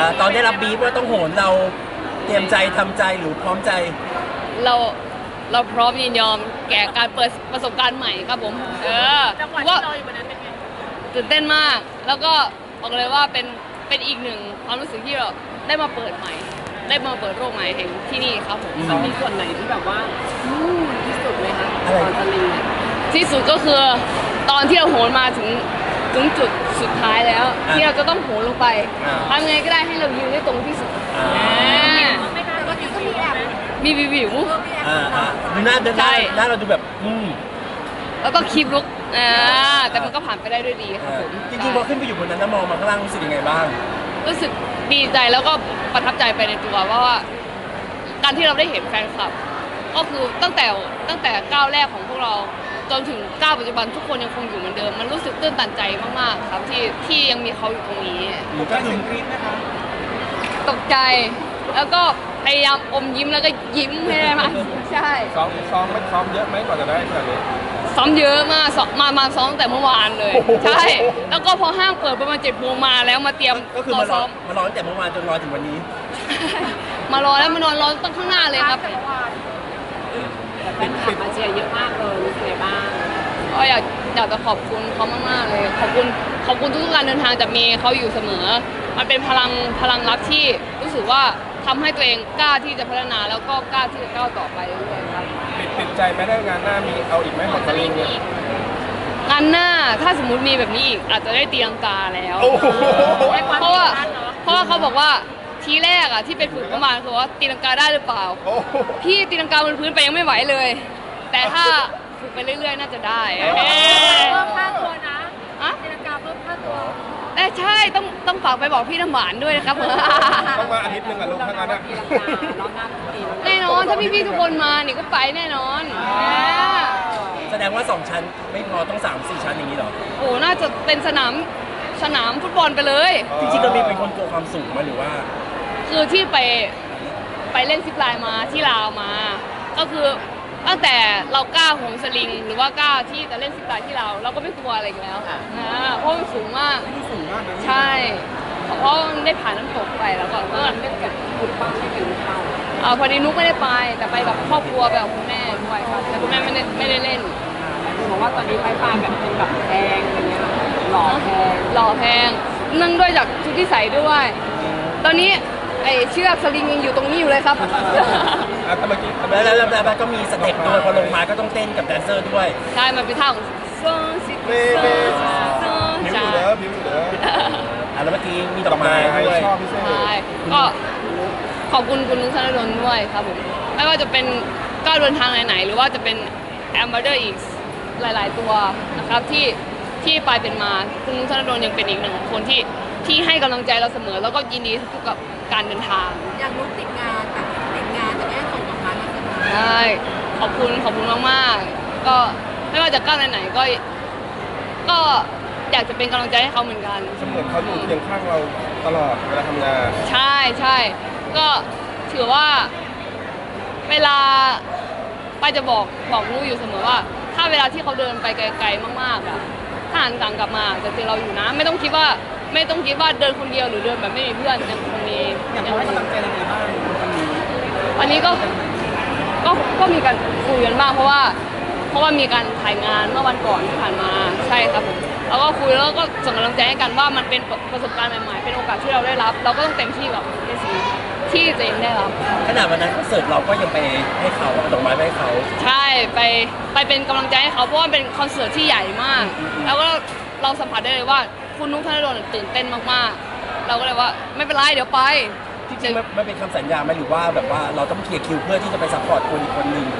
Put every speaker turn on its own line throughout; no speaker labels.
ตอนได้รับบีฟว่าต้องโหนเราเตรียมใจทำใจหรือพร้อมใจ
เราเราพร้อมยินยอมแก่การเปิดประสบการณ์ใหม่ครับผม
จังหวะที่เราอยู่บนนั้นเป็นไง
ตื่นเต้นมากแล้วก็บอกเลยว่าเป็นอีกหนึ่งความรู้สึกที่เราได้มาเปิดใหม่ ได้มาเปิดโลกใหม่แห่งที่นี่ครับผม
มันมีส่วนไหนที่แบบว่าที่สุดไหมคะ
อะไร
ตอนสลิงเนี่ย
ที่สุดก็คือตอนที่เราโหนมาถึงจุดสุดท้ายแล้ว ที่เราจะต้องโหนลงไปทำไงก็ได้ให้เรายืนได้ตรงที่สุด
ไม่น่าก็มีแอบ
มีวิว
ดูหน้าเดินหน้า
ใช่
หน้าเราดูแบบ
แล้วก็คลิปลุกแต่มันก็ผ่านไปได้ด้วยดีครับผม
จริงๆพอขึ้นไปอยู่บนนั้นแล้วมองมาข้างล่างรู้สึกยังไงบ้าง
รู้สึกดีใจแล้วก็ประทับใจไปในตัวว่าการที่เราได้เห็นแฟนคลับ ก็คือตั้งแต่ก้าวแรกของพวกเราจนถึงก้าวปัจจุบันทุกคนยังคงอยู่เหมือนเดิมมันรู้สึกตื้นตันใจมากๆครับที่ยังมีเขาอยู่ตรงนี้
หรือก็คือกรี๊ดนะคะ
ตกใจแล้วก็พยายามอมยิ้มแล้วก็ยิ้มให้ได้มากใช่
ซ้อมไม่ซ้อมเยอะไหมกว่าจะได้ขนาดนี้
ซ้อมเยอะมากมาซ้อมตั้งแต่เมื่อวานเลยใช่แล้วก็พอห้างเปิดประมาณ7 โมงมาแล้วมาเตรียม
ก็คือ
รอ
มาร
ซ้
อ
อม
ตั้งแต่เมื่อวานจนรอถึงวันนี้
มารอแล้วมานอนรอตั้งข้างหน้าเลยครับ
แต่แฟนคลับมาเชียร์เยอะมากเลยรู้สึกไงบ้าง
ก็อยากจะขอบคุณเขามากๆเลยขอบคุณทุกๆการเดินทางจะมีเขาอยู่เสมอมันเป็นพลังรักที่รู้สึกว่าทำให้ตัวเองกล้าที่จะพัฒนาแล้วก็กล้าที่จะก้าวต่อไปเรื่อยๆครับ
ติดใจไหมได้งานหน้ามีเอาอีกไหมของสลิงเนี่ย
งานหน้าถ้าสมมุติมีแบบนี้อีกอาจจะได้ตีลังกาแล้ว
โอ้โห
เพราะว่าเขาบอกว่าทีแรกที่ไปฝึกประมาณคือว่าตีลังกาได้หรือเปล่า
โอ้โห
พี่ตีลังกาบนพื้นไปยังไม่ไหวเลย แต่ถ้าฝึกไปเรื่อยๆน่าจะได้
เพิ่มค่าตัวนะ
อะ
ตีลังกาเพิ่มค่าตัว
แต่ใช่ต้องฝากไปบอกพี่น้ำหวานด้วยนะครับ
ต้องมาอาทิตย์หนึงอะลูกทั้งนั้นอะ
ตีลังการอบหน้าต้องตีลังกา
แน่นอนถ้าพี่ๆทุกคนมานี่ก็ไปแน่นอน
แสดงว่า2ชั้นไม่พอต้อง3-4ชั้นอย่างนี้เหรอ
โอ้น่าจะเป็นสนามฟุตบอลไปเลย
จริงๆเราเป็นคนกลัวความสูงไหมหรือว่า
คือที่ไปเล่นซิปไลน์มาที่ลาวมา ก็คือตั้งแต่เรากล้าโหนสลิง หรือว่ากล้าที่จะเล่นซิปไลน์ที่เราก็ไม่กลัวอะไรอีกแล้วเพราะมันสูงมาก
สูงมากนะ
ใช่เพราะมันได้ผ่านน้ำตกไปแล้วก็
เล่นกับบุญป้าไม่ถึงเป้า
พอดีนุ๊กไม่ได้ไปแต่ไปกับครอบครัวไปกับคุณแม่ด้วยครับแต่คุณแม่ไม่ได้เล่น
คือบอกว่าตอนนี้ไฟฟ้าแบบเป็นแบบแพงอะไรเงี้ยหล่อแพง
หล่อแพงเนื่องด้วยจากชุดที่ใส่ด้วย ตอนนี้ไอเชือกสลิงยังอยู่ตรงนี้อยู่เลยครับ
แต่เมื่อกี้
แล้วก็มีสเต็ปด้วยพอลงมาก็ต้องเต้นกับแดนเซอร์ด้วย
ใช่ มันเป็นท่าของโซซิโซโซ
ผิว
ใช่
อยู่เด้อผิวอยู่เด้อ
แล้วเมื่อกี้มีดอกไม้ด้วย
ชอบพิเศษ
ใช่ก็ขอบคุณคุณนุ้งธนดลด้วยครับผมไม่ว่าจะเป็นก้าวเดินทางไหนๆหรือว่าจะเป็นแอมบาเดอร์อีกหลายๆตัวนะครับที่ไปเป็นมาคุณนุ้งธนดลยังเป็นอีกหนึ่งคนที่ให้กำลังใจเราเสมอ แล้วก็ยินดีทุกๆกับการเดินทาง
อย่างนุ๊กติดงานแต่ติดงานแต่แม่ส่งกลับมาแล้ว
ใช่ขอบคุณมากๆก็ไม่ว่าจะก้าวไหนๆก็อยากจะเป็นกำลังใจให้เขาเหมือนกัน
เสมือนเขาอยู่เคียงข้างเราตลอดเวลาทำงาน
ใช่ก็ถือว่าเวลาป้าจะบอกลูกอยู่เสมอว่า ถ้าเวลาที่เขาเดินไปไกลๆมากๆถ้าหันกลังกลับมาจะเจอเราอยู่นะไม่ต้องคิดว่าเดินคนเดียวหรือเดินแบบไม่มีเพื่อนยังคงมียังให้กำลังใจยังไงบ้างวันนี้ก็มีการคุยกันบ้างเพราะว่ามีการถ่ายงานเมื่อวันก่อนที่ผ่านมาใช่ครับผมแล้วก็คุยแล้วก็ส่งกำลังใจให้กันว่ามันเป็นประสบการณ์ใหม่ๆเป็นโอกาสที่เราได้รับ เราก็ต้องเต็มที่กับในสิ่งที่ตัวเองได้รับ
ขนาดวันนั้นคอนเสิร์ตเราก็ยังไปให้เขาเอาดอกไม้ไปให้เขา
ใช่ไปเป็นกำลังใจให้เขาเพราะว่าเป็นคอนเสิร์ตที่ใหญ่มาก แล้วก็เราสัมผัสได้เลยว่าคุณนุ๊กธนดลตื่นเต้นมากๆเราก็เลยว่าไม่เป็นไรเดี๋ยวไป
จริงๆมันเป็นคำสัญญาไหมหรือว่าแบบว่าเราต้องเคลียร์คิวเพื่อที่จะไปซัพพอร์ตคนอีกคนหนึ่ง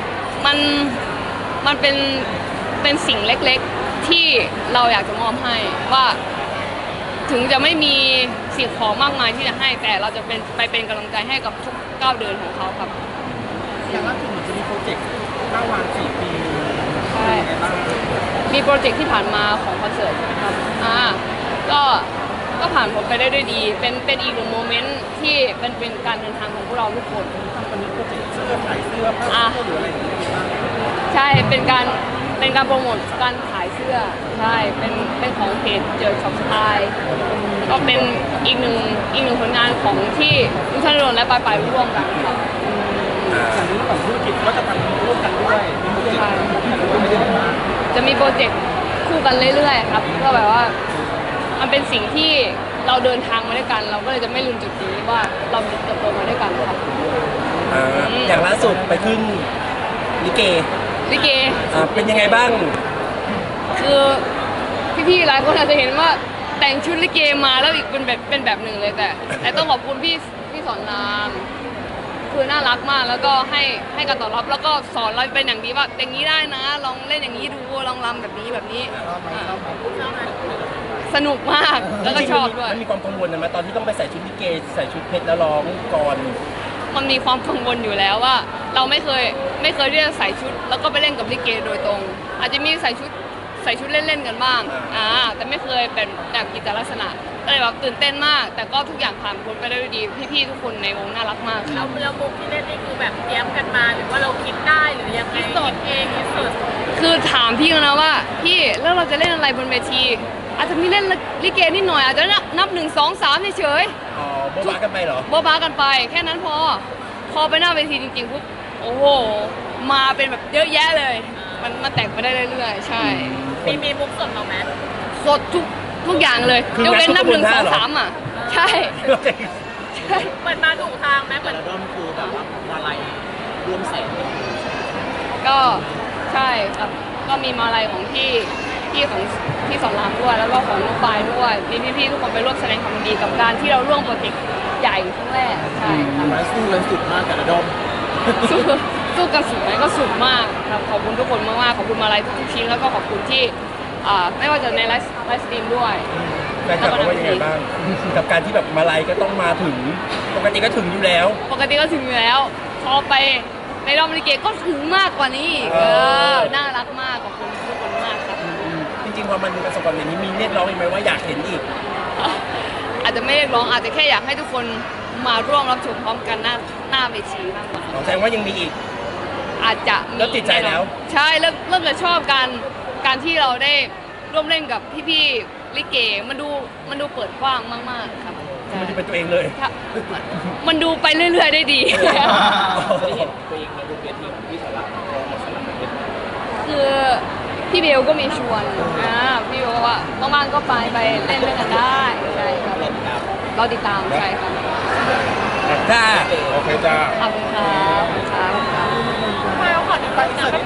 มันเป็นสิ่งเล็กๆที่เราอยากจะมอบให้ว่าถึงจะไม่มีสิ่งของมากมายที่จะให้แต่เราจะเป็นกำลังใจให้กับทุกก้าวเดินของเขาครับ
อย่างล่าสุดเหมือนจะมีโปรเจกต์9 วัน 4 ปี
ใช่มีโปรเจกต์ที่ผ่านมาของคอนเสิร์ตครับก็ผ่านผมไปได้ด้วยดี เป็นอีกหนึ่งโมเมนต์ที่เป็นการเดินทางของพวกเราทุกคนตอนนี้โปรเจกต์เสื้อขายเสื้อผ้าหรืออะไรอย่างเงี้ยใช่เป็นการโปรโมทการขายเสื้อใช่เป็นของเพจเจอช็อปสไตล์ก็เป็นอีกหนึ่งผลงานของที่ลุงธนดลและปายร่วมกันครับ
จากนี้ฝั่งธุรกิจก็จะทำร่วมกันด้วยมีโปรเจกต์ไม่ได้แบบว่า
จะมีโปรเจกต์คู่กันเรื่อยๆครับเพื่อแบบว่ามันเป็นสิ่งที่เราเดินทางมาด้วยกัน เราก็เลยจะไม่ลืมจุดนี้ว่าเราเติบโตมาด้วยกันครับ
อย่างล่าสุดไปขึ้นลิเก
ลิเก
เป็นยังไงบ้าง
คือพี่ๆหลายคนอาจจะเห็นว่าแต่งชุดลิเกมาแล้วอีกเป็นแบบหนึ่งเลยแต่ต้องขอบคุณพี่สอนรามคือน่ารักมากแล้วก็ให้การตอบรับแล้วก็สอนเราเป็นอย่างดีว่าอย่างนี้ได้นะ ลองเล่นอย่างนี้ดูลองรำแบบนี้สนุกมากแล้วก็ชอบด้วย
มันมีความกังวลนะไหมตอนที่ต้องไปใส่ชุดลิเกใส่ชุดเพชรแล้วร้องก่อน
มันมีความกังวลอยู่แล้วว่า เราไม่เคยที่จะใส่ชุดแล้วก็ไปเล่นกับลิเกโดยตรง อาจจะมีใส่ชุดเล่นๆกันบ้างแต่ไม่เคยเป็นแบบกิจลักษณะก็เลยแบบตื่นเต้นมาก แต่ก็ทุกอย่างผ่านพ้นไปได้ด้วยดีพี่ๆทุกคนในวงน่ารักมากครับ
เรามุกที่เล่นนี่คือแบบเตรียมกันมาหรือว่าเราคิดได้หรือยังไงคิดเองคิดสด
คือถามพี่เขานะว่าพี่แล้วเราจะเล่นอะไรบนเวทีอาจจะมีเล่นลิเกนิดหน่อยอาจจะนับ1 2 3เฉย
อ๋อโบ๊ะบ้ากันไปเหรอ
ๆบ้าๆกันไปแค่นั้นพอไปหน้าเวทีจริงๆปุ๊บโอ้โหมาเป็นแบบเยอะแยะเลยมันแต่งไปได้เรื่อยๆใช่
มีมุกสดเราไหม
สดทุกอย่างเลย
คือย
กเว้นนับ
งัด
1
ทุกคนหน้าเหรอ
2 3อ่ะใช่ใช่
เหมือนมาถูกทางไหมเหมือน
แล้วก็คือแบบว่าอะไรรวมแสน
ก็ใช่ครับก็มีมาลัยของพี่ของพี่สอนรามด้วยแล้วก็ของน้องปายด้วยมีพี่ๆทุกคนไปร่วมแสดงความยินดีกับการที่เราร่วมโปรเจกต์ใหญ่ครั้งแรกใช่ครับ
มาสู้กันสุดมากแต่ละดอม
สู้กันสุดไหมก็สุดมากครับขอบคุณทุกคนมากๆขอบคุณมาลัยทุกๆชิ้นแล้วก็ขอบคุณที่ไม่ว่าจะในไลฟ์สตรีมด้วย
แฟนคลับเขาว่ายังไงบ้าง กับการที่แบบมาลัยก็ต้องมาถึง ปกติก็ถึงอยู่แล้ว
ปกติก็ถึงอยู่แล้ว พอไปในรอบลิเกก็ถึงมากกว่านี้อีกน่ารักมากขอบคุณทุกคนมากครับ
จริงๆพอมันประสบความสำเร็จนี้มีเรียกร้องอีกไหมว่าอยากเห็นอีก
อาจจะไม่เรียกร้องอาจจะแค่อยากให้ทุกคนมาร่วมรับชมพร้อมกันหน้าเวทีมากกว่า
แสดงว่ายังมีอีก
อาจจะมี
แล้วติดใจแล้ว
ใช่เริ่มจะชอบการที่เราได้ร่วมเล่นกับพี่ๆลิเกมันดูเปิดกว้างมากๆครับ
มันจะเป็นตัวเองเลย
ครับมันดูไปเรื่อยๆได้ดี
ตัวเองในบนเวทีของพี่สาระของสาระเป็น
คือพี่เบลก็มีชวนพี่เบลก็ว่าว่างๆก็ไปเล่นด้วยกันได้ใช่ครับเราติดตามใช่ครับ
จ้า
โอเคจ้า
ขอบคุณครับ
ไม่เอาขอดูก่อน